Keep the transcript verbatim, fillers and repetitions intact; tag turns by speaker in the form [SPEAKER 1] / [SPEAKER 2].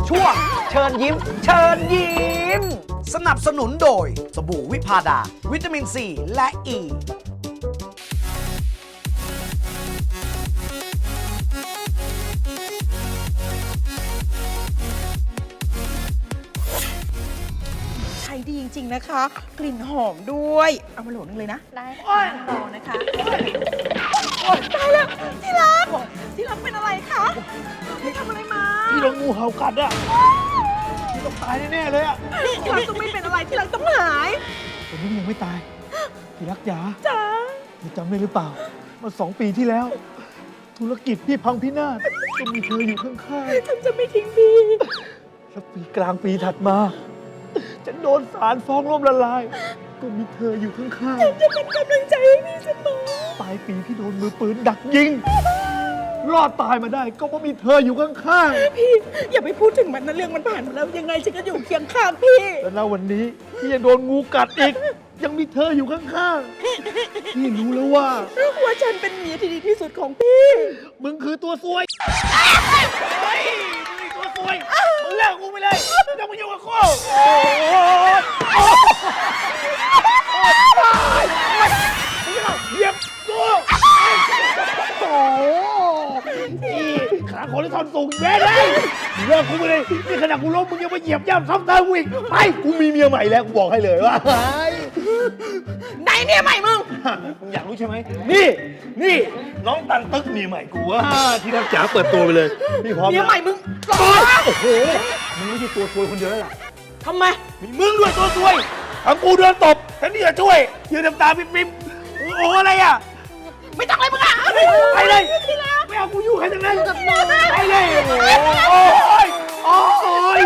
[SPEAKER 1] ช่วงเชิญยิ้ม เชิญยิ้ม สนับสนุนโดยสบู่วิพาดา วิตามินซีและอ e. ี
[SPEAKER 2] ใช้ดีจริงๆนะคะ กลิ่นหอมด้วย เอามาโหลนึงเลยนะ
[SPEAKER 3] ได้ค่ะรอนะคะ
[SPEAKER 2] โอ๊ยตายแล้วที่รักที่รักเป็นอะไรคะพี่ทำอะไรมา
[SPEAKER 4] พี่โดนงูเห่ากัดอ่ะพี่ต้องตายแน่ๆเลยอ่ะ
[SPEAKER 2] ที่รักต้องไม่เป็นอะไรที่รักต้องหาย
[SPEAKER 4] แต่นี่ยังไม่ตายพี่รักจ๋า
[SPEAKER 2] จ้า
[SPEAKER 4] พี่จำได้หรือเปล่าเมื่อสองปีที่แล้ว ธุรกิจพี่พังพินาศก็มีเธออยู่ข้าง
[SPEAKER 2] ฉันจะไม่ทิ้งพี่
[SPEAKER 4] ๆแล้วปีกลางปีถัดมาฉันโดนศาลฟ้องล้มละลาย ก็มีเธออยู่ข้างๆ
[SPEAKER 2] จะเป็นกำลังใจให้พี่เสมอ
[SPEAKER 4] ปลายปีพี่โดนมือปืนดักยิง รอดตายมาได้ก็เพราะมีเธออยู่ข้าง
[SPEAKER 2] พี่อย่าไปพูดถึงมันนะเรื่องมันผ่านมาแล้วยังไงฉันก็อยู่เคียงข้างพี่
[SPEAKER 4] ๆแล้วณวันนี้พี่ยังโดนงูกัดอีก ยังมีเธออยู่ข้างๆพี่รู้แล้วว่า
[SPEAKER 2] ว่าฉันเป็นเมียที่ดีที่สุดของพี่
[SPEAKER 4] มึงคือตัวซวยเฮ้ยมึงคือตัวซวย มึงเลิกกูไปเลยไม่ต้องมายุ่งกับกูโอ้ยโอ้ยมึงจะเหยียบกูโอ้ยขาคนที่ทอนสูงแย่เลยมึงเลิกกูไปเลย นี่ขนาดกูล้มมึงยังมาเหยียบย่ำซ้ำเติมกูอีก ไป กูมีเมียใหม่แล้ว กูบอกให้เลยว่า
[SPEAKER 2] ไหนเมียใหม่มึง
[SPEAKER 4] มึงอยากรู้ใช่ไหม นี่ นี่ น้องตันตึกเมียใหม่กูว่าที่รักจ๋าเปิดตัวไปเลย พี่พร้อม
[SPEAKER 2] เมียใหม่มึง
[SPEAKER 4] โอ้ยโอ้โห มึงไม่ใช่ตัวซวยคนเดียวแล้วล่ะ
[SPEAKER 2] ทำไม
[SPEAKER 4] มีมึงด้วยตัวซวยทั้งกูเดินตบทั้งนี่จะช่วยยืนน้ำตาปิ๊บๆโอ้โหอะไรอ่ะ
[SPEAKER 2] ไม่ต้องเลยมึงอ่ะ
[SPEAKER 4] ไปเลยไม่เอากูอยู่ใครทั้งนั้นไปเลยโอ้ย